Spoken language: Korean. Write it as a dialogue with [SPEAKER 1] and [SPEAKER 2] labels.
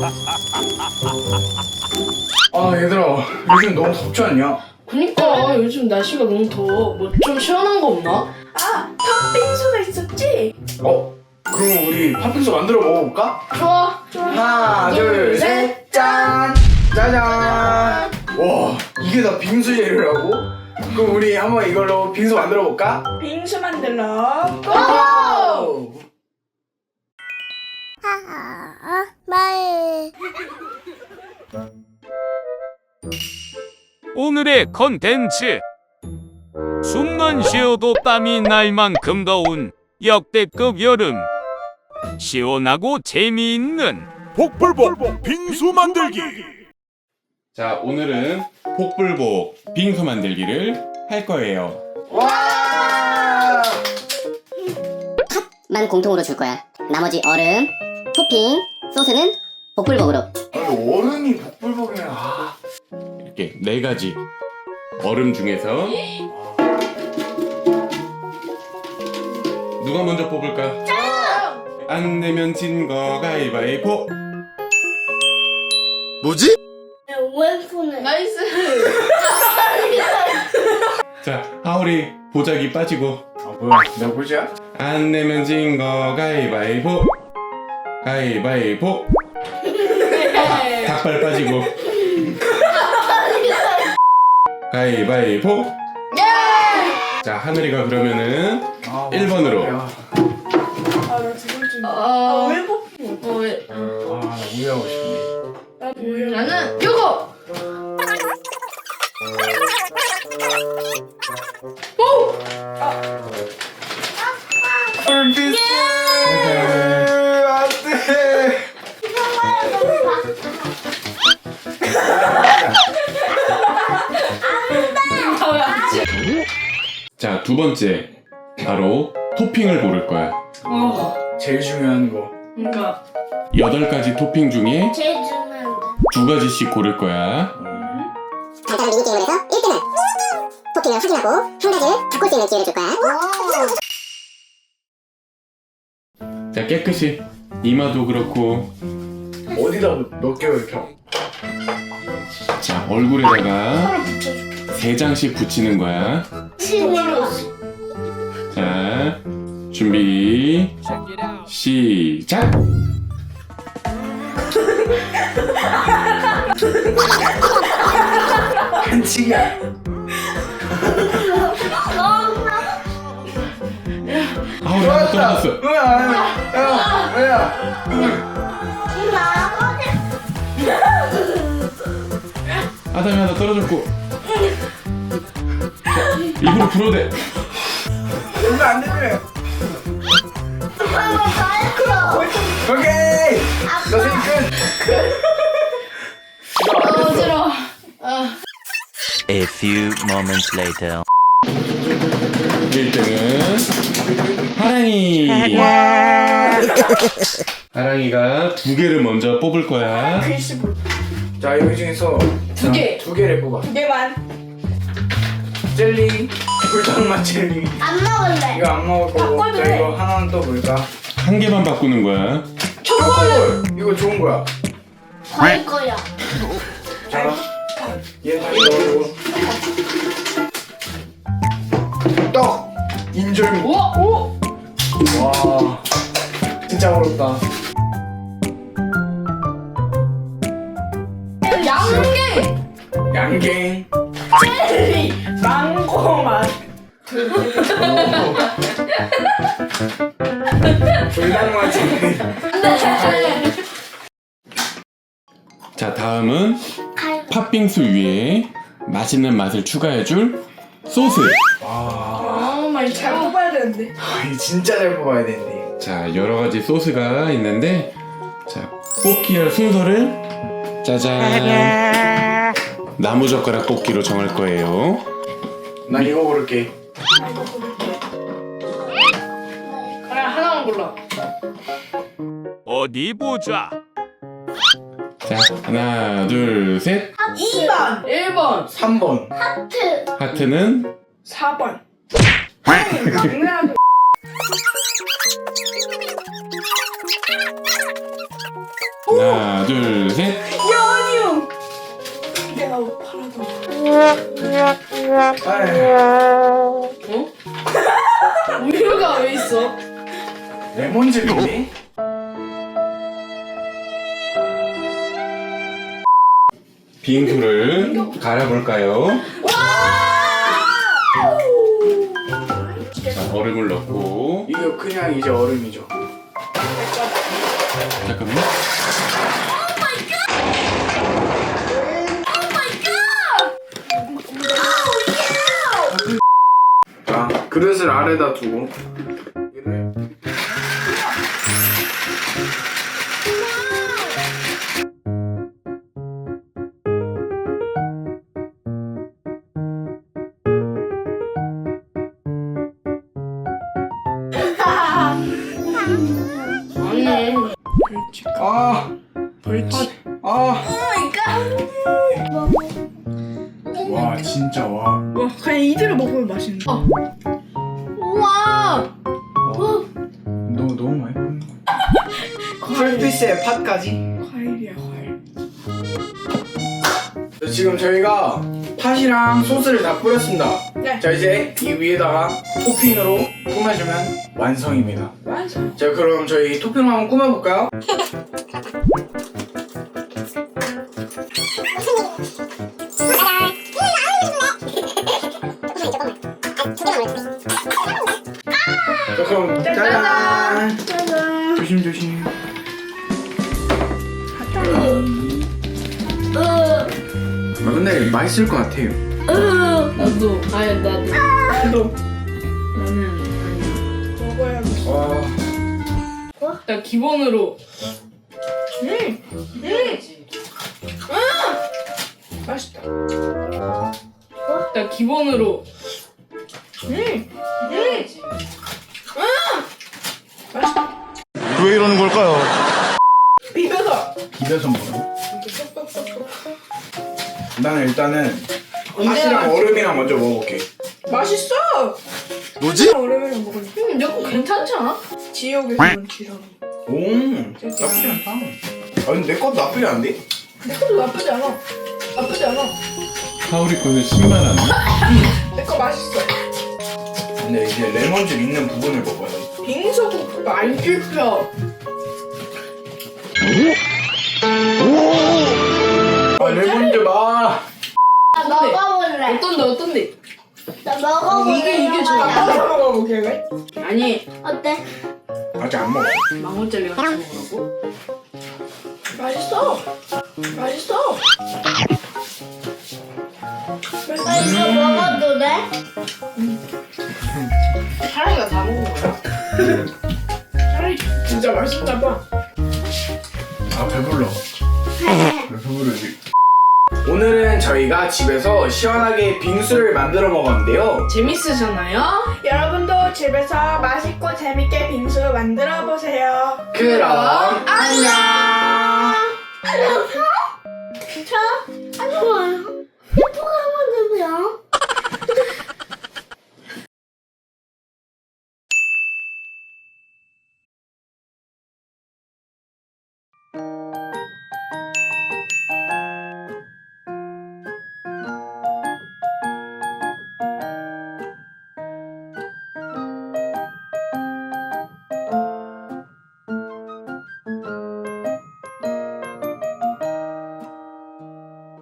[SPEAKER 1] 아 얘들아 요즘 너무 덥지 않냐?
[SPEAKER 2] 그니까 요즘 날씨가 너무 더워. 뭐 좀 시원한 거 없나?
[SPEAKER 3] 아, 팥빙수가 있었지?
[SPEAKER 1] 그럼 우리 팥빙수 만들어 먹어볼까?
[SPEAKER 2] 좋아.
[SPEAKER 1] 하나 둘셋 짠! 짜잔! 와 이게 다 빙수 재료라고? 그럼 우리 한번 이걸로 빙수 만들어 볼까?
[SPEAKER 3] 빙수 만들러
[SPEAKER 2] 고!
[SPEAKER 4] 오늘의 컨텐츠 숨만 쉬어도 땀이 날 만큼 더운 역대급 여름 시원하고 재미있는
[SPEAKER 5] 복불복 빙수 만들기.
[SPEAKER 6] 자, 오늘은 복불복 빙수 만들기를 할 거예요.
[SPEAKER 1] 와!
[SPEAKER 7] 만 공통으로 줄 거야. 나머지 얼음, 토핑, 소스는 복불복으로.
[SPEAKER 1] 아니 얼음이 복불복이야.
[SPEAKER 6] 이렇게 4가지 얼음 중에서 누가 먼저 뽑을까? 안 내면 진 거 가위바위보.
[SPEAKER 5] 뭐지?
[SPEAKER 2] 나이스.
[SPEAKER 6] 자, 하울이 보자기 빠지고.
[SPEAKER 1] 뭐야 내가 보자.
[SPEAKER 6] 안 내면 진 거 가위바위보. 가위바위보. 닭발 빠지고. 가위바위보. 자, 하늘이가 그러면은 1번으로.
[SPEAKER 1] 야.
[SPEAKER 3] 아나 두 번째
[SPEAKER 2] 왜
[SPEAKER 3] 왜
[SPEAKER 2] 왜?
[SPEAKER 1] 나 우유하고 싶네.
[SPEAKER 3] 나 뭐야?
[SPEAKER 2] 나는 요거.
[SPEAKER 1] 불빛. 안돼.
[SPEAKER 6] 자, 2번째. 바로 토핑을 고를 거야.
[SPEAKER 1] 제일 중요한 거.
[SPEAKER 2] 그러니까
[SPEAKER 6] 8가지 토핑 중에
[SPEAKER 8] 제일 중요한 거.
[SPEAKER 6] 2가지씩 고를 거야.
[SPEAKER 7] 간단한 미니게임을 해서 1등은 토핑을 확인하고 한 가지를 바꿀 수 있는 기회를 줄 거야.
[SPEAKER 6] 자, 깨끗이 이마도 그렇고.
[SPEAKER 1] 어디다 넣게요 이렇게?
[SPEAKER 6] 자, 얼굴에다가 3장씩 붙이는 거야. 자, 준비 시작.
[SPEAKER 1] 반칙이야.
[SPEAKER 6] 아우, 하나 떨어졌어.
[SPEAKER 1] 뭐야?
[SPEAKER 6] 아담이 하나 떨어졌고. 자, 입으로 불어대.
[SPEAKER 1] 이거 안 되네. 오케이. 너 생끝.
[SPEAKER 2] 어지러워.
[SPEAKER 9] A few moments later.
[SPEAKER 6] 1등은 하랑이. 하랑이가 2개를 먼저 뽑을 거야.
[SPEAKER 3] 글씨
[SPEAKER 1] 자 여기 중에서
[SPEAKER 2] 두 개.
[SPEAKER 1] 2개를 뽑아.
[SPEAKER 3] 두 개만.
[SPEAKER 1] 젤리, 불닭맛 젤리.
[SPEAKER 8] 안 먹을래.
[SPEAKER 1] 이거 안 먹을 거고.
[SPEAKER 3] 바꿔도
[SPEAKER 1] 자
[SPEAKER 3] 돼.
[SPEAKER 1] 이거 하나는 또 뭘까?
[SPEAKER 6] 1개만 바꾸는 거야.
[SPEAKER 1] 초콜릿. 이거 좋은 거야.
[SPEAKER 8] 과일 거야.
[SPEAKER 1] 자, 얘 다시 넣어주고. 떡. 인절미.
[SPEAKER 2] 우와. 오.
[SPEAKER 1] 와, 진짜 어렵다.
[SPEAKER 2] 양갱.
[SPEAKER 1] 양갱.
[SPEAKER 3] 젤리 망고 맛.
[SPEAKER 1] 불닭맛 젤리.
[SPEAKER 6] 자, 다음은 팥빙수 위에 맛있는 맛을 추가해줄 소스.
[SPEAKER 1] 와,
[SPEAKER 3] 많이 잘 뽑아야 되는데.
[SPEAKER 1] 이거 진짜 잘 뽑아야 되는데.
[SPEAKER 6] 자, 여러가지 소스가 있는데, 자, 뽑기 할 순서를 짜잔, 나무젓가락 뽑기로 정할 거예요.
[SPEAKER 1] 난 이거 고를게.
[SPEAKER 2] 그래 하나만 골라.
[SPEAKER 4] 어디 보자.
[SPEAKER 6] 자, 하나, 둘, 셋.
[SPEAKER 3] 2번,
[SPEAKER 2] 1번.
[SPEAKER 1] 3번.
[SPEAKER 8] 하트.
[SPEAKER 6] 하트는
[SPEAKER 3] 4번. 막내하고.
[SPEAKER 6] 하나, 하나, 둘, 셋.
[SPEAKER 3] 연유. 내가 팔아도.
[SPEAKER 1] 아휴,
[SPEAKER 2] 우유가 왜 있어?
[SPEAKER 1] 레몬즙이네.
[SPEAKER 6] 빙수를 갈아볼까요? 자, 얼음을 넣고.
[SPEAKER 1] 이거 그냥 이제 얼음이죠.
[SPEAKER 6] 잠깐만요.
[SPEAKER 1] 자, 그릇을 아래다 두고 얘를
[SPEAKER 2] 아니.
[SPEAKER 1] 아,
[SPEAKER 2] 벌칙.
[SPEAKER 1] 아. 와, 진짜 와.
[SPEAKER 3] 와 그냥 이대로 먹으면 맛있는데.
[SPEAKER 8] 우와.
[SPEAKER 1] 너무 많이 먹는 거. 풀피스에 팥까지.
[SPEAKER 3] 과일이야 과일.
[SPEAKER 1] 지금 저희가 팥이랑 소스를 다 뿌렸습니다.
[SPEAKER 3] 네.
[SPEAKER 1] 자, 이제 이 위에다가 토핑으로 꾸며주면 완성입니다.
[SPEAKER 3] 완성.
[SPEAKER 1] 자, 그럼 저희 토핑을 한번 꾸며볼까요? 자, 그럼 짜잔!
[SPEAKER 3] 짜잔.
[SPEAKER 1] 조심조심. 아, 근데 맛있을 것 같아요.
[SPEAKER 2] 나도. 아니 나도.
[SPEAKER 3] 나도
[SPEAKER 2] 나는 아니야.
[SPEAKER 3] 먹어야겠어.
[SPEAKER 1] 와,
[SPEAKER 2] 일단 기본으로.
[SPEAKER 3] 맛있다.
[SPEAKER 2] 일단 기본으로.
[SPEAKER 3] 맛있다.
[SPEAKER 5] 왜 이러는 걸까요?
[SPEAKER 3] 비벼서.
[SPEAKER 1] 비벼서 먹어. 나는 일단은
[SPEAKER 2] 언제나
[SPEAKER 1] 팥이랑 얼음이랑 먼저 먹어볼게.
[SPEAKER 3] 맛있어.
[SPEAKER 5] 뭐지?
[SPEAKER 3] 오랜만에 먹으니까.
[SPEAKER 2] 내거 괜찮지 않아?
[SPEAKER 3] 지옥에서는 지렁이.
[SPEAKER 1] 오, 나쁘지 않다. 아, 근데 내 것도 나쁘지 않은데?
[SPEAKER 3] 내 것도 나쁘지 않아. 나쁘지 않아.
[SPEAKER 6] 하울이 거는 10만 원.
[SPEAKER 3] 내 거 맛있어.
[SPEAKER 1] 근데 이제 레몬즙 있는 부분을 먹어야 돼.
[SPEAKER 3] 빙수국 안 씹혀.
[SPEAKER 1] 아, 레몬즙, 아.
[SPEAKER 8] 나 먹어볼래.
[SPEAKER 2] 어떤데?
[SPEAKER 8] 나 먹어볼래.
[SPEAKER 2] 이게 좋아.
[SPEAKER 3] 바꿔서 먹어볼게 왜?
[SPEAKER 2] 아니
[SPEAKER 8] 어때?
[SPEAKER 1] 아직 안 먹어.
[SPEAKER 2] 망원젤리 같이 먹으라고?
[SPEAKER 3] 맛있어. 맛있어.
[SPEAKER 8] 나 이거 먹어도 돼?
[SPEAKER 2] 사랑이가 다 먹은 거야.
[SPEAKER 3] 차라리 진짜 맛있나 봐.
[SPEAKER 1] 아, 배불러. 배부르지. 오늘은 저희가 집에서 시원하게 빙수를 만들어 먹었는데요.
[SPEAKER 2] 재밌으셨나요?
[SPEAKER 3] 여러분도 집에서 맛있고 재밌게 빙수 만들어 보세요.
[SPEAKER 1] 그럼 안녕.
[SPEAKER 8] 자, 안녕.